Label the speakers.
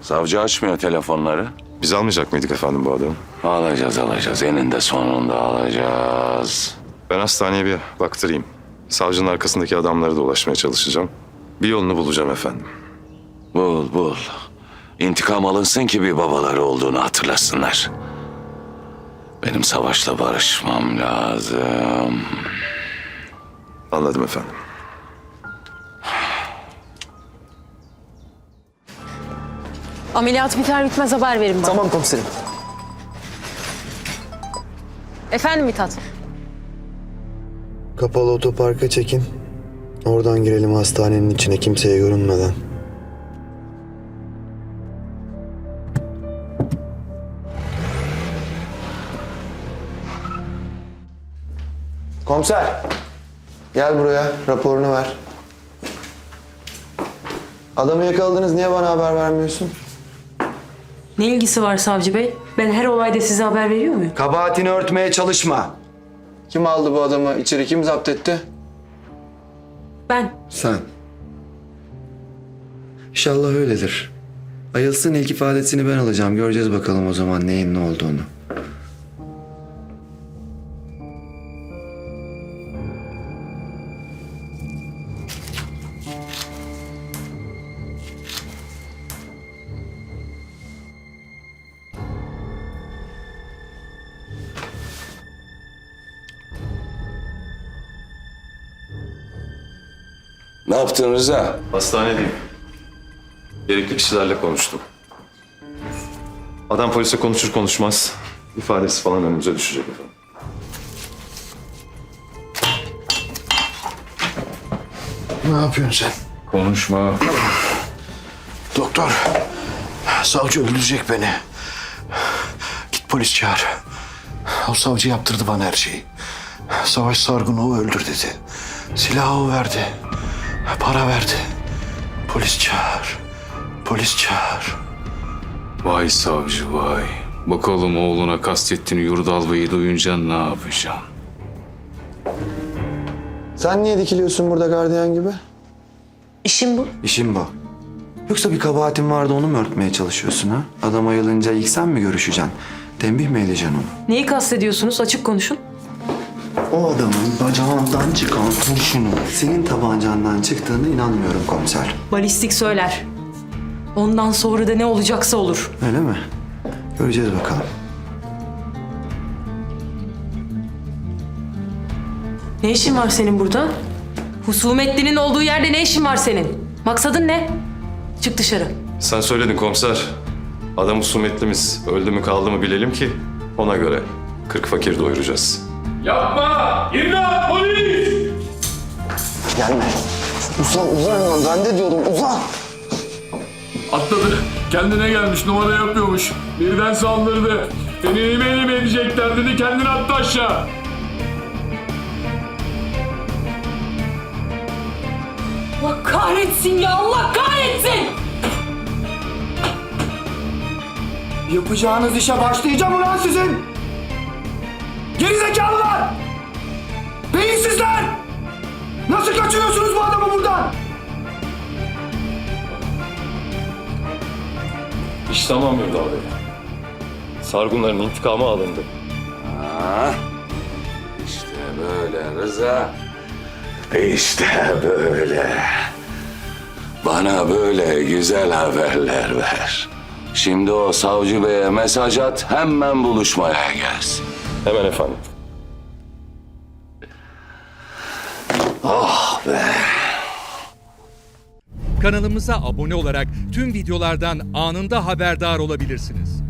Speaker 1: Savcı açmıyor telefonları.
Speaker 2: Biz almayacak mıydık efendim bu adamı?
Speaker 1: Alacağız. Eninde sonunda alacağız.
Speaker 2: Ben hastaneye bir baktırayım. Savcının arkasındaki adamlara da ulaşmaya çalışacağım. Bir yolunu bulacağım efendim.
Speaker 1: Bul. İntikam alınsın ki bir babaları olduğunu hatırlasınlar. Benim Savaş'la barışmam lazım.
Speaker 2: Anladım efendim.
Speaker 3: Ameliyat biter bitmez haber verin bana.
Speaker 4: Tamam komiserim.
Speaker 3: Efendim Mithat?
Speaker 5: Kapalı otoparka çekin. Oradan girelim hastanenin içine kimseye görünmeden. Komiser. Gel buraya. Raporunu ver. Adamı yakaladınız. Niye bana haber vermiyorsun?
Speaker 3: Ne ilgisi var savcı bey? Ben her olayda size haber veriyor muyum?
Speaker 5: Kabahatini örtmeye çalışma. Kim aldı bu adamı? İçeri kim zapt etti?
Speaker 3: Ben.
Speaker 5: Sen. İnşallah öyledir. Ayılsın, ilk ifadesini ben alacağım. Göreceğiz bakalım o zaman neyin ne olduğunu.
Speaker 1: Ne yaptın Rıza?
Speaker 2: Hastanedeyim. Gerekli kişilerle konuştum. Adam polise konuşur konuşmaz ifadesi falan önümüze düşecek efendim.
Speaker 6: Ne yapıyorsun sen?
Speaker 1: Konuşma.
Speaker 6: Doktor, savcı öldürecek beni. Git polis çağır. O savcı yaptırdı bana her şeyi. Savaş Sargun'u öldür dedi. Silahı o verdi. Para verdi. Polis çağır. Polis çağır.
Speaker 7: Vay savcı vay. Bakalım oğluna kastettiğini Yurdal Bey'i duyunca ne yapacaksın?
Speaker 5: Sen niye dikiliyorsun burada gardiyan gibi?
Speaker 3: İşim bu.
Speaker 5: İşim bu. Yoksa bir kabahatin vardı, onu mu örtmeye çalışıyorsun ha? Adam ayılınca ilk sen mi görüşeceksin? Tembih mi edeceksin onu?
Speaker 3: Neyi kastediyorsunuz? Açık konuşun.
Speaker 5: O adamın bacağından çıkan kurşunun senin tabancandan çıktığına inanmıyorum komiser.
Speaker 3: Balistik söyler. Ondan sonra da ne olacaksa olur.
Speaker 5: Öyle mi? Göreceğiz bakalım.
Speaker 3: Ne işin var senin burada? Husumetlinin olduğu yerde ne işin var senin? Maksadın ne? Çık dışarı.
Speaker 2: Sen söyledin komiser. Adam husumetlimiz. Öldü mü kaldı mı bilelim ki ona göre 40 fakir doyuracağız.
Speaker 7: Yapma! İmdat! Polis!
Speaker 5: Gelme. Uzan. Ben de diyorum uzan.
Speaker 7: Atladı. Kendine gelmiş, numara yapıyormuş. Birden saldırdı. Seni elime edecekler dedi, kendini attı aşağı.
Speaker 3: Allah kahretsin ya! Allah kahretsin!
Speaker 5: Yapacağınız işe başlayacağım ulan sizin. Gerizekalılar! Beyinsizler! Nasıl kaçırıyorsunuz bu adamı buradan?
Speaker 2: İş tamam Yurdal Bey. Sargunların intikamı alındı.
Speaker 1: İşte böyle Rıza. İşte böyle. Bana böyle güzel haberler ver. Şimdi o savcı beye mesaj at, hemen buluşmaya gelsin.
Speaker 2: Hemen efendim.
Speaker 1: Oh be.
Speaker 8: Kanalımıza abone olarak tüm videolardan anında haberdar olabilirsiniz.